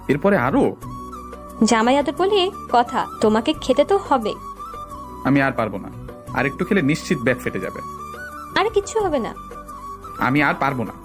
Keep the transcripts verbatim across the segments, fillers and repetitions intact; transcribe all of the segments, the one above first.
এরপরে আরো জামাই আদর বলে কথা, তোমাকে খেতে তো হবে। আমি আর পারবো না, আর একটু খেলে নিশ্চিত ব্যাগ ফেটে যাবে। আরে কিচ্ছু হবে না। আমি আর পারবো না।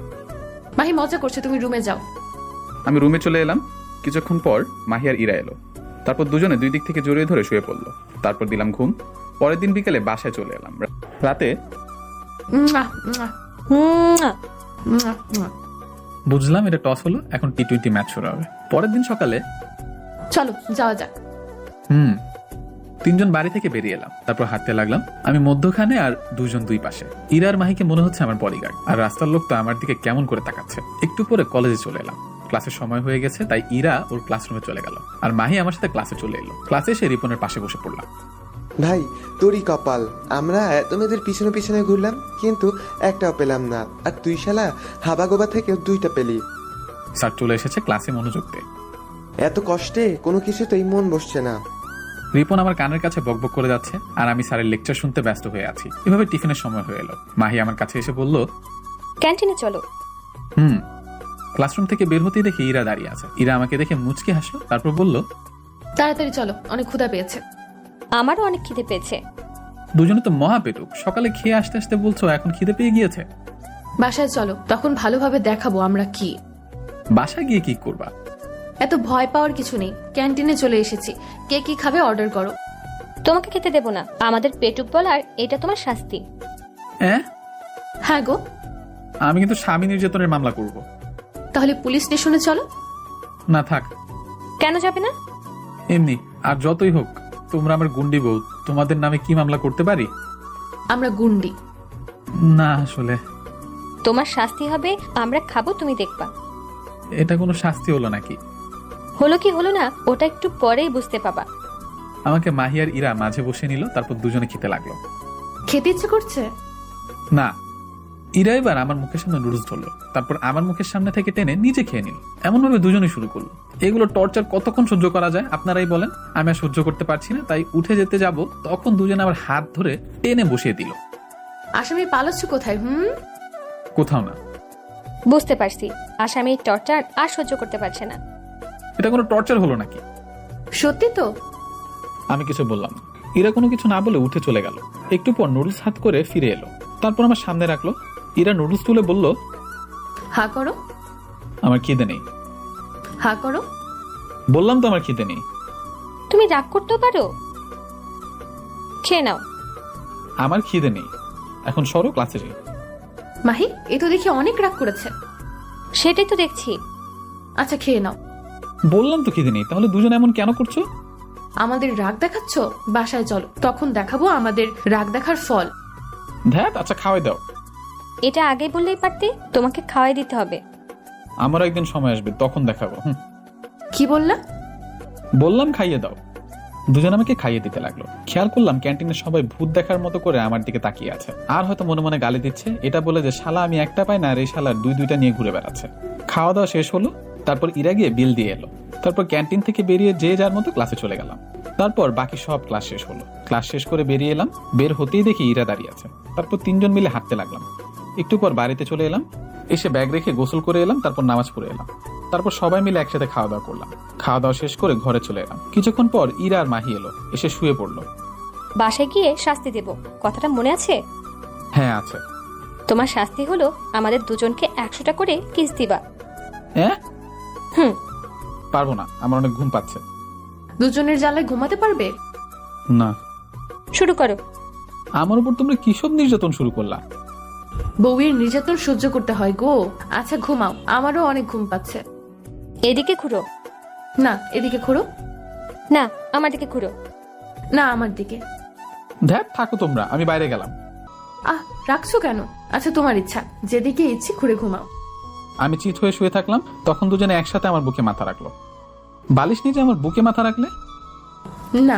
মাহি মজা করছে, তুমি রুমে যাও। আমি রুমে চলে এলাম। কিছুক্ষণ পর মাহি আর ইরা এলো। তারপর দুজনে দুই দিক থেকে জড়িয়ে ধরে শুয়ে পড়লো। তারপর দিলাম ঘুম। পরের দিন বিকেলে বাসায় চলে এলাম। রাতে মুয়া, মুয়া, হুম, মুয়া, মুয়া। বুঝলাম এটা টস হলো, এখন টি টোয়েন্টি ম্যাচ শুরু হবে। পরের দিন সকালে চলো যাওয়া যাক। হুম তিনজন বাড়ি থেকে বেরিয়ে এলাম। তারপর হাঁটতে লাগলাম। আমি মধ্যখানে আর দুজন দুই পাশে। ইরা আর মাহিকে মনে হচ্ছে আমার বডিগার্ড, আর রাস্তার লোক তো আমার দিকে কেমন করে তাকাচ্ছে। একটু পরে কলেজে চলে এলাম। ক্লাসের সময় হয়ে গেছে, তাই ইরা ওর ক্লাসরুমে চলে গেল, আর মাহি আমার সাথে ক্লাসে চলে এলো। ক্লাসে এসে রিপনের পাশে বসে পড়লাম। ভাই তোরই কপাল, আমরা এত মেয়েদের পিছনে পিছনে ঘুরলাম কিন্তু একটাও পেলাম না, আর তুই শালা হাবাগোবা থেকে দুইটা পেলি। স্যার চলে এসেছে, ক্লাসে মনোযোগ দে। এত কষ্টে কোনো কিছুতেই মন বসছে না। রিপন আমার কানের কাছে বকবক করে যাচ্ছে, আর আমি স্যারের লেকচার শুনতে ব্যস্ত হয়ে আছি। এভাবে টিফিনের সময় হয়ে এলো। মাহি আমার কাছে এসে বলল, ক্যান্টিনে চলো। হুম ক্লাসরুম থেকে বের হতেই দেখি ইরা দাঁড়িয়ে আছে। ইরা আমাকে দেখে মুচকি হাসলো, তারপর বলল, তাড়াতাড়ি চলো, অনেক ক্ষুধা পেয়েছে। আমারও অনেক খিদে পেয়েছে। দুজনে তো মহা পেটুক। সকালে খেয়ে আসতে আসতে বলছো এখন খিদে পেয়ে গিয়েছে। বাসায় চলো, তখন ভালোভাবে দেখাবো আমরা কি। বাসায় গিয়ে কি করবা? এত ভয় পাওয়ার কিছু নেই, ক্যান্টিনে চলে এসেছি, কে কি খাবে অর্ডার করো। তোমাকে খেতে দেব না, আমাদের পেটুক বলার এটা তোমার শাস্তি। হ্যাঁ হ্যাঁ গো। আমি কিন্তু স্বামী নির্যাতনের মামলা করব। তাহলে পুলিশ স্টেশনে চলো। না থাক। কেন যাবে না? এমনি, আর যতই হোক তোমরা আমার গুন্ডি বউ, তোমাদের নামে কি মামলা করতে পারি? আমরা গুন্ডি না আসলে তোমার শাস্তি হবে, আমরা খাবো, তুমি দেখবা। এটা কোনো শাস্তি হলো নাকি? হলো কি হলো না ওটা একটু পরেই বুঝতে পাবা। আমাকে মাহি আর ইরা মাঝে বসে নিল, তারপর দুজনে খেতে লাগলো। খেতে ইচ্ছে করছে না, ইরা এবার আমার মুখের সামনে নুডলস ধরলো, তারপর আমার মুখের সামনে থেকে টেনে নিজে খেয়ে নিল। এমন ভাবে দুজনে শুরু করলো। এগুলো টর্চার কতক্ষণ সহ্য করা যায় আপনারাই বলেন? আমি আর সহ্য করতে পারছি না, তাই উঠে যেতে যাব, তখন দুজনে আমার হাত ধরে টেনে বসিয়ে দিল। আসামি পালাচ্ছ কোথায়? হুম কোথাও না। বুঝতে পারছি, আসামি টর্চার আর সহ্য করতে পারছে না। এটা কোনো টর্চার হলো নাকি? সত্যি তো? আমি কিছু বললাম না। ইরা কোনো কিছু না বলে উঠে চলে গেল। একটু পর নুডলস হাত করে ফিরে এলো, তারপর আমার সামনে রাখলো। ইরা নুডলস তুলে বলল, হা করো। আমার খিদে নেই। হা করো। বললাম তো আমার খিদে নেই। তুমি রাগ করতেও পারো, খেয়ে নাও। আমার খিদে নেই, এখন সরো, ক্লাসে যাই। মাহি এ তো দেখি অনেক রাগ করেছে। সেটাই তো দেখছি। আচ্ছা খেয়ে নাও। বললাম তো খিদে নেই, তাহলে দুজন এমন কেন করছো? আমাদের রাগ দেখাচ্ছ, বাসায় চলো, তখন দেখাবো আমাদের রাগ দেখার ফল। ধ্যাত, আচ্ছা খাওয়াই দাও। এটা আগে বললেই পারতে, তোমাকে খাওয়াই দিতে হবে। আমার একদিন সময় আসবে, তখন দেখাবো। হুম কি বললা? বললাম খাইয়ে দাও। দুজন আমাকে খাইয়ে দিতে লাগলো। খেয়াল করলাম ক্যান্টিনে সবাই ভূত দেখার মতো করে আমার দিকে তাকিয়ে আছে, আর হয়তো মনে মনে গালি দিচ্ছে, এটা বলে যে শালা আমি একটা পাই না, আর এই শালার দুই দুইটা নিয়ে ঘুরে বেড়াচ্ছে। খাওয়া দাওয়া শেষ হলো, তারপর ইরা গিয়ে বিল দিয়ে এলো। তারপর ক্যান্টিন থেকে বেরিয়ে যে যার মতো ক্লাসে চলে গেলাম। তারপর বাকি সব ক্লাস শেষ হলো। ক্লাস শেষ করে বেরিয়ে এলাম। বের হতেই দেখি ইরা দাঁড়িয়ে আছে। তারপর তিনজন মিলে হাঁটতে লাগলাম। একটু পর বাড়িতে চলে এলাম। এসে ব্যাগ রেখে গোসল করে এলাম, তারপর নামাজ পড়ে এলাম। তারপর সবাই মিলে একসাথে খাওয়া দাওয়া করলাম। খাওয়া দাওয়া শেষ করে ঘরে চলে এলাম। কিছুক্ষণ পর ইরা আর মাহি এলো, এসে শুয়ে পড়লো। বাসায় গিয়ে শাস্তি দেব, কথাটা মনে আছে? হ্যাঁ আছে। তোমার শাস্তি হলো আমাদের দুজনকে একশোটা করে কিস দিবা। হ্যাঁ হুম পারবো না, আমার অনেক ঘুম পাচ্ছে। দুজনের জ্বালায় ঘুমাতে পারবে না। শুরু করো। আমার উপর তোমরা কিসব নির্যাতন শুরু করলা? বউয়ের নির্যাতন সহ্য করতে হয় গো। আচ্ছা ঘুমাও, আমারও অনেক ঘুম পাচ্ছে। এদিকে ঘুরো। না এদিকে ঘুরো। না আমার দিকে ঘুরো। না আমার দিকে। ধ্যাত থাকো তোমরা, আমি বাইরে গেলাম। আহ রাখছো কেন? আচ্ছা তোমার ইচ্ছা, যেদিকে ইচ্ছে ঘুরে ঘুমাও। আমি চিত হয়ে শুয়ে থাকলাম, তখন দুজনে একসাথে আমার বুকে মাথা রাখলো। বালিশ নিচে আমার বুকে মাথা রাখলে? না।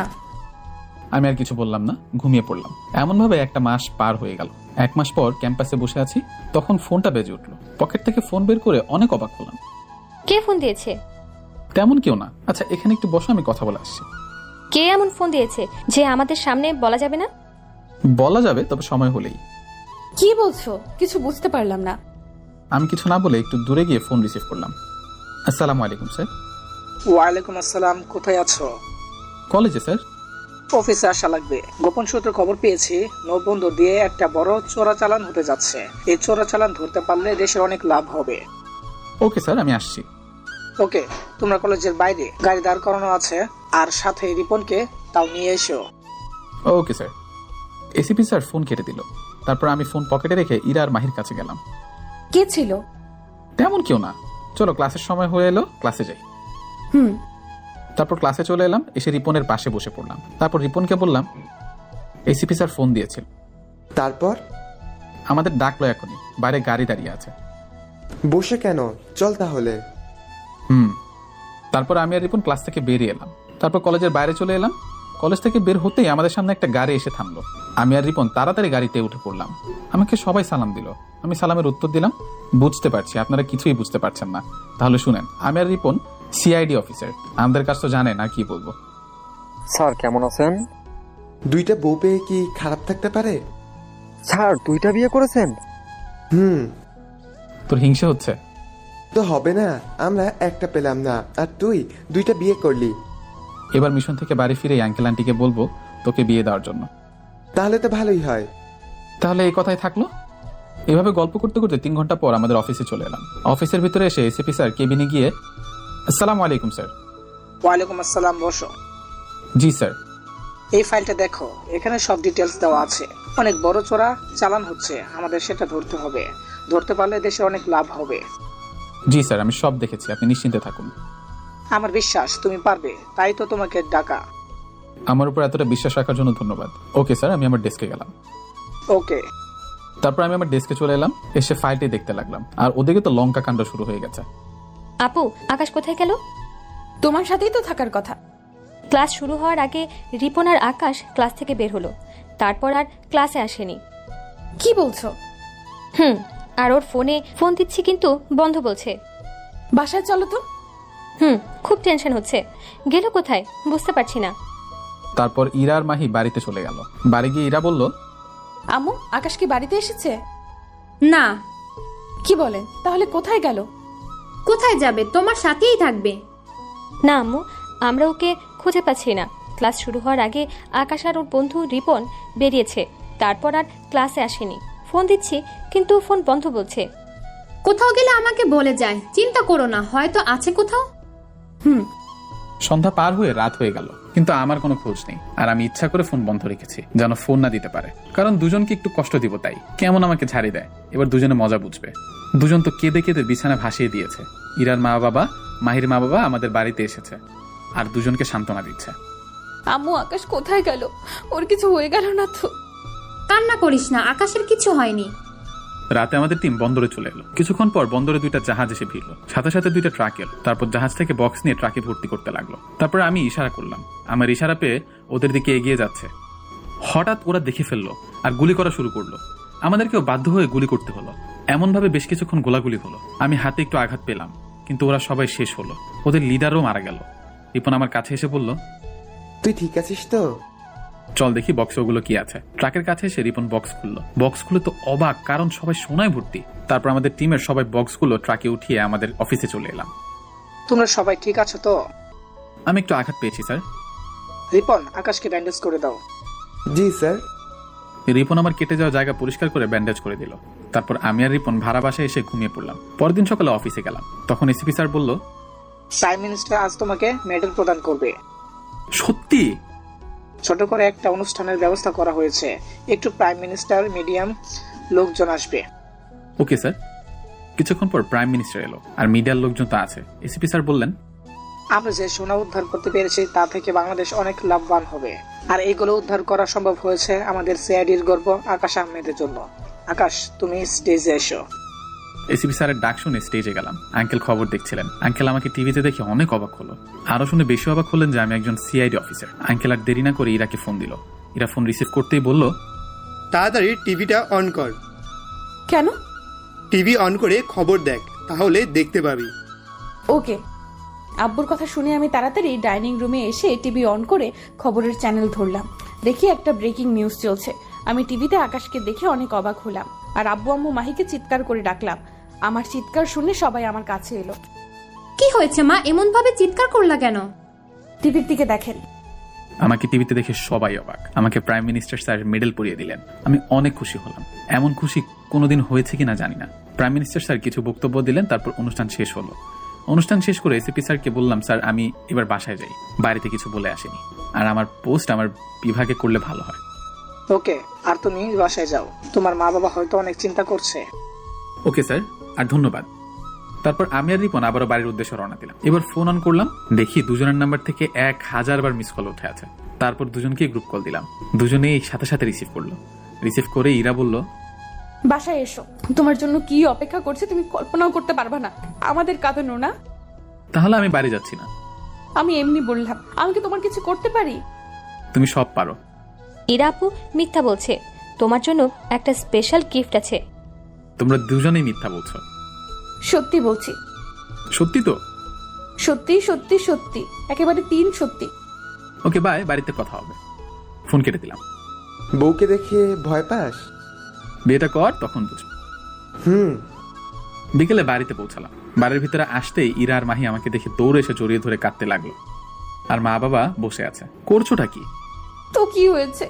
আমি আর কিছু বললাম না, ঘুমিয়ে পড়লাম। এমন ভাবে একটা মাস পার হয়ে গেল। এক মাস পর ক্যাম্পাসে বসে আছি, তখন ফোনটা বেজে উঠলো। পকেট থেকে ফোন বের করে অনেক অবাক হলাম। কে ফোন দিয়েছে? তেমন কেউ না। আচ্ছা এখানে একটু বসো, আমি কথা বলে আসছি। কে এমন ফোন দিয়েছে যে আমাদের সামনে বলা যাবে না? বলা যাবে, তবে সময় হলেই। কি বলছো? কিছু বুঝতে পারলাম না। আমি কিছু না বলে একটু দূরে গিয়ে ফোন রিসিভ করলাম। আসসালামু আলাইকুম স্যার। ওয়ালাইকুম আসসালাম, কোথায় আছো? কলেজে স্যার। অফিসে আসা লাগবে। গোপন সূত্রে খবর পেয়েছি নৌবন্দর দিয়ে একটা বড় চোরাচালান হতে যাচ্ছে। এই চোরাচালান ধরতে পারলে দেশের অনেক লাভ হবে। ওকে স্যার, আমি আসছি। ওকে, তোমরা কলেজের বাইরে গাড়ি দাঁড় করানো আছে, আর সাথে রিপনকে তাও নিয়ে এসো। Okay sir. ACP sir phone কেটে দিল। তারপর আমি ফোন পকেটে রেখে ইরা আর মাহির কাছে গেলাম। কে ছিল? তেমন কেউ না, চলো ক্লাসের সময় হয়ে এলো, ক্লাসে যাই। হুম। তারপর ক্লাসে চলে এলাম, এসে রিপনের পাশে বসে পড়লাম। তারপর রিপনকে বললাম এসিপি স্যার ফোন দিয়েছিল। তারপর? আমাদের ডাকলো এখনই, বাইরে গাড়ি দাঁড়িয়ে আছে। বসে কেন, চল তাহলে। হুম। তারপর আমি আর রিপন ক্লাস থেকে বেরিয়ে এলাম। তারপর কলেজের বাইরে চলে এলাম। কলেজ থেকে বের হতেই আমাদের সামনে একটা গাড়ি এসে থামলো। আমি আর রিপন তাড়াতাড়ি গাড়িতে উঠে পড়লাম। আমাকে সবাই সালাম দিল। আমি সালামের উত্তর দিলাম। বুঝতে পারছি আপনারা কিছুই বুঝতে পারছেন না, তাহলে শুনেন। আমি আর রিপন সিআইডি অফিসার, আমাদের কাছে তো জানেন, আর কি বলবো। স্যার কেমন আছেন? দুইটা বউ পেয়ে কি খারাপ থাকতে পারে? স্যার দুইটা বিয়ে করেছেন? হুম। তোর হিংসা হচ্ছে? তো হবে না, আমরা একটা পেলাম না আর তুই দুইটা বিয়ে করলি। এবার মিশন থেকে বাড়ি ফিরে আঙ্কেল আন্টিকে বলবো তোকে বিয়ে দেওয়ার জন্য। তাহলে তো ভালোই হয়। তাহলে এই কথাই থাকলো। এভাবে গল্প করতে করতে তিন ঘন্টা পর আমাদের অফিসে চলে এলাম। অফিসের ভিতরে এসে এসিপি স্যার কেবিনে গিয়ে আসসালামু আলাইকুম স্যার। ওয়ালাইকুম আসসালাম, বসো। জি স্যার। এই ফাইলটা দেখো, এখানে সব ডিটেলস দেওয়া আছে। অনেক বড় চোরা চালান হচ্ছে, আমাদের সেটা ধরতে হবে। ধরতে পারলে দেশে অনেক লাভ হবে। জি স্যার, আমি সব দেখেছি, আপনি নিশ্চিন্তে থাকুন। আমার বিশ্বাস তুমি পারবে, তাই তো তোমাকে ডাকা। আমার উপর এতটা বিশ্বাস রাখার জন্য ধন্যবাদ। ওকে স্যার, আমি আমার ডেস্কে গেলাম। ওকে। তারপর আমি আমার ডেস্কে চলে এলাম, এসে ফাইলটি দেখতে লাগলাম। আর ওদিকে তো লঙ্কা কাণ্ড শুরু হয়ে গেছে। আপু, আকাশ কোথায় গেল? তোমার সাথেই তো থাকার কথা। ক্লাস শুরু হওয়ার আগে রিপন আর আকাশ ক্লাস থেকে বের হলো, তারপর আর ক্লাসে আসেনি। কি বলছো? হুম। আর ওর ফোনে ফোন দিচ্ছি কিন্তু বন্ধ বলছে। বাসায় চলো তো। হুম, খুব টেনশন হচ্ছে। গেল কোথায় বুঝতে পারছি না। তারপর ইরা আর মাহি বাড়িতে চলে গেল। বাড়ি গিয়ে ইরা বলল, আম্মু, আকাশ কি বাড়িতে এসেছে? না। কি বলেন? তাহলে কোথায় গেল? কোথায় যাবে, তোমার সাথেই থাকবে। না আম্মু, আমরা ওকে খুঁজে পাচ্ছি না। ক্লাস শুরু হওয়ার আগে আকাশ আর ওর বন্ধু রিপন বেরিয়েছে, তারপর আর ক্লাসে আসেনি। ফোন দিচ্ছি কিন্তু ফোন বন্ধ বলছে। কোথাও গেলে আমাকে বলে যায়, চিন্তা করো না, হয়তো আছে কোথাও। হুম। সন্ধ্যা পার হয়ে রাত হয়ে গেল, কিন্তু আমার কোনো খোঁজ নেই। আর আমি ইচ্ছা করে ফোন বন্ধ রেখেছি, যেন ফোন না দিতে পারে। কারণ দুজনকে একটু কষ্ট দিব, তাই কেমন আমাকে ঝাড়ি দেয়। এবার দুজনে মজা বুঝবে। দুজন তো কেঁদে কেঁদে বিছানা ভাসিয়ে দিয়েছে। ইরার মা বাবা, মাহির মা বাবা আমাদের বাড়িতে এসেছে আর দুজনকে সান্ত্বনা দিচ্ছে। আম্মু, আকাশ কোথায় গেল? ওর কিছু হয়ে গেল না তো? কান্না করিস না, আকাশের কিছু হয়নি। রাতে আমাদের টিম বন্দরে চলে এলো। কিছুক্ষণ পর বন্দরে দুইটা জাহাজ এসে ভিড়ল, সাথে সাথে দুইটা ট্রাক এলো। তারপর জাহাজ থেকে বক্স নিয়ে ট্রাকে ভর্তি করতে লাগলো। তারপর আমি ইশারা করলাম। আমার ইশারা পেয়ে ওদের দিকে এগিয়ে যাচ্ছে। হঠাৎ ওরা দেখে ফেললো আর গুলি করা শুরু করলো। আমাদেরকেও বাধ্য হয়ে গুলি করতে হলো। এমন ভাবে বেশ কিছুক্ষণ গোলাগুলি হলো। আমি হাতে একটু আঘাত পেলাম, কিন্তু ওরা সবাই শেষ হলো। ওদের লিডারও মারা গেল। রিপন আমার কাছে এসে বলল, তুই ঠিক আছিস তো? চল দেখি বক্সে ওগুলো কি আছে। ট্রাকের কাছে এসে রিপন বক্স খুললো। বক্স খুলে তো অবাক, কারণ সবাই সোনায় ভর্তি। তারপর আমাদের টিমের সবাই বক্সগুলো ট্রাকে উঠিয়ে আমাদের অফিসে চলে এলাম। তোমরা সবাই ঠিক আছো তো? আমি একটু আঘাত পেয়েছি স্যার। রিপন, আকাশকে ব্যান্ডেজ করে দাও। জি স্যার। রিপন আমার কেটে যাওয়া জায়গা পরিষ্কার করে ব্যান্ডেজ করে দিল। তারপর আমি আর রিপন ভাড়া বাসায় এসে ঘুমিয়ে পড়লাম। পরের দিন সকালে অফিসে গেলাম। তখন এসিপি স্যার বলল, প্রাইম মিনিস্টার আজ তোমাকে মেডেল প্রদান করবে। সত্যি? ছোট করে একটা অনুষ্ঠানের ব্যবস্থা করা হয়েছে। একটু প্রাইম মিনিস্টার, মিডিয়াম লোকজন আসবে। Okay sir. কিছুক্ষণ পর প্রাইম মিনিস্টার এলো আর মিডিয়ার লোকজন তো আছে। এসিপি স্যার বললেন, আমরা যে সোনা উদ্ধার করতে পেরেছি তা থেকে বাংলাদেশ অনেক লাভবান হবে। আর এইগুলো উদ্ধার করা সম্ভব হয়েছে আমাদের সিআইডির গর্ব আকাশ আহমেদের জন্য। আকাশ, তুমি স্টেজে এসো। এসিপি স্যারের ডাক শুনে স্টেজে গেলাম। আঙ্কেল খবর দেখছিলেন। আঙ্কেল আমাকে টিভিতে দেখে অনেক অবাক হলো। আরো শুনে বেশি অবাক হলেন যে আমি একজন সিআইডি অফিসার। আঙ্কেল আর দেরি না করে ইরাকে ফোন দিল। ইরা ফোন রিসিভ করতেই বলল, তাড়াতাড়ি টিভিটা অন কর। কেন? টিভি অন করে খবর দেখ, তাহলে দেখতে পাবি। ওকে। আব্বুর কথা শুনে আমি তাড়াতাড়ি ডাইনিং রুমে এসে টিভি অন করে খবরের চ্যানেল ধরলাম। দেখি একটা ব্রেকিং নিউজ চলছে। আমি টিভিতে আকাশকে দেখে অনেক অবাক হলাম আর আব্বু আম্মু মাহিকে চিৎকার করে ডাকলাম। আমার চিৎকার শুনে সবাই আমার কাছে এলো। কি হয়েছে মা, এমন ভাবে চিৎকার করলা কেন? টিভির দিকে দেখেন। আমাকে টিভিতে দেখে সবাই অবাক। আমাকে প্রাইম মিনিস্টার স্যার মেডেল পরিয়ে দিলেন। আমি অনেক খুশি হলাম। এমন খুশি কোনোদিন হয়েছে কিনা জানি না। প্রাইম মিনিস্টার স্যার কিছু বক্তব্য দিলেন, তারপর অনুষ্ঠান শেষ হলো। অনুষ্ঠান শেষ করে এসিপি স্যারকে বললাম, স্যার আমি এবার বাসায় যাই, বাড়িতে কিছু বলে আসেনি, আর আমার পোস্ট আমার বিভাগে করলে ভালো হয়। ওকে, আর তুমি বাসায় যাও, তোমার মা বাবা হয়তো অনেক চিন্তা করছে। ওকে স্যার, আর ধন্যবাদ। তারপর আমি আর রিপন আবারও বাড়ির উদ্দেশ্যে রওনা দিলাম। এবার ফোন অন করলাম, দেখি দুজনের নাম্বার থেকে এক হাজার বার মিস কল উঠে আছে। তারপর দুজনকে গ্রুপ কল দিলাম, দুজনেই সাথে সাথে রিসিভ করলো। রিসিভ করে ইরা বলল, বাসায় এসো, তোমার জন্য কি অপেক্ষা করছে তুমি কল্পনাও করতে পারবা না। আমাদের কাঁদানো না। তাহলে আমি বাড়ি যাচ্ছি না। আমি এমনি বললাম, আমি কি তোমার কিছু করতে পারি? তুমি সব পারো। ইরা আপু মিথ্যা বলছে, তোমার জন্য একটা স্পেশাল গিফট আছে। তোমরা দুজনেই মিথ্যা বলছো। সত্যি বলছি। সত্যি তো? সত্যি সত্যি সত্যি, একেবারে তিন সত্যি। ওকে বাই, বাড়িতে কথা হবে। ফোন কেটে দিলাম। বউকে দেখে ভয় পাস? বিয়েটা কর, তখন বুঝবো। হুম। বিকেলে বাড়িতে পৌঁছালাম। বাড়ির ভিতরে আসতেই ইরা আর মাহি আমাকে দেখে দৌড়ে এসে জড়িয়ে ধরে কাঁদতে লাগলো। আর মা বাবা বসে আছে। করছোটা কি? তো কি হয়েছে?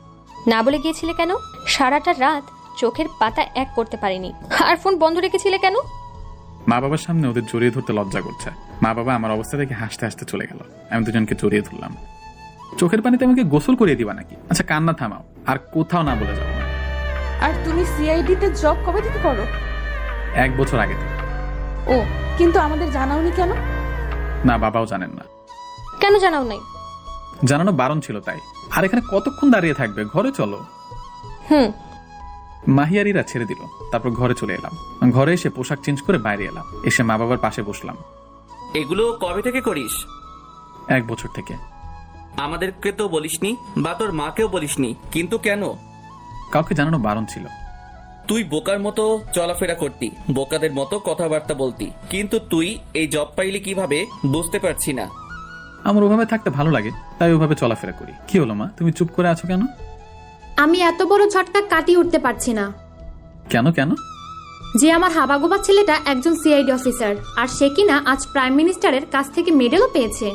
না বলে গিয়েছিলে কেন? সারাটা রাত চোখের পাতা এক করতে পারিনি। আর ফোন বন্ধ রেখেছিলে কেন? মা বাবার সামনে ওদের জড়িয়ে ধরতে লজ্জা করছে। মা বাবা আমার অবস্থা দেখে হাসতে হাসতে চলে গেল। আমি দুজনকে জড়িয়ে ধরলাম। চোখের পানিতে আমাকে গোসল করিয়ে দিবা নাকি? আচ্ছা কান্না থামাও, আর কোথাও না বলে যাবো না। আর তুমি সিআইডি তে জব কবে থেকে করো? এক বছর আগে থেকে। ও, কিন্তু আমাদের জানাওনি কেন? না, বাবাও জানেন না। কেন জানাও নাই? জানানো বারণ ছিল তাই। আর এখানে কতক্ষণ দাঁড়িয়ে থাকবে? ঘরে চলো। হুম। মাহিয়ারিরা ছেড়ে দিল। তারপর ঘরে চলে এলাম। ঘরে এসে পোশাক চেঞ্জ করে বাইরে এলাম। এসে মা বাবার পাশে বসলাম। এগুলো কবে থেকে করিস? এক বছর থেকে। আমাদেরকে তো বলিসনি, বা তোর মাকেও বলিসনি, কিন্তু কেন? কাউকে জানানো বারণ ছিল। তুই বোকার মতো চলাফেরা করতি, বোকাদের মতো কথাবার্তা বলতি, কিন্তু তুই এই জব পাইলি কিভাবে বুঝতে পারছি না। আমার ওভাবে থাকতে ভালো লাগে, তাই ওভাবে চলাফেরা করি। কি হলো মা, তুমি চুপ করে আছো কেন? আমি এত বড় ঝটকা কাটিয়ে উঠতে পারছি না। কেন কেন? যে আমার হাবাগোবা ছেলেটা একজন সিআইডি অফিসার, আর সে কিনা আজ প্রাইম মিনিস্টারের কাছ থেকে মেডেলও পেয়েছে।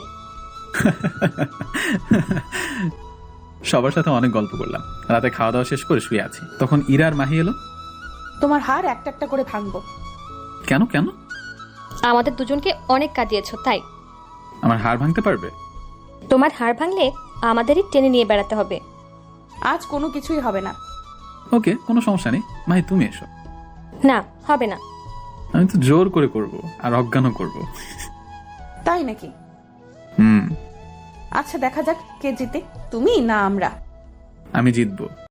সবার সাথে অনেক গল্প করলাম। রাতে খাওয়া দাওয়া শেষ করে শুয়ে আছি, তখন ইরা আর মাহি এলো। তোমার হার একটা একটা করে ভাঙবো। কেন কেন? আমাদের দুজনকে অনেক কাঁদিয়েছো তাই। আমার হাড় ভাঙতে পারবে? তোমার হাড় ভাঙলে আমাদেরই টেনে নিয়ে বেড়াতে হবে। আজ কোনো কিছুই হবে না। ওকে, কোনো সমস্যা নেই। মাহি তুমি এসো। না, হবে না। আমি তো জোর করে করব, আর অজ্ঞানও করব। তাই নাকি? হুম। আচ্ছা দেখা যাক কে জিতে, তুমি না আমরা। আমি জিতবো।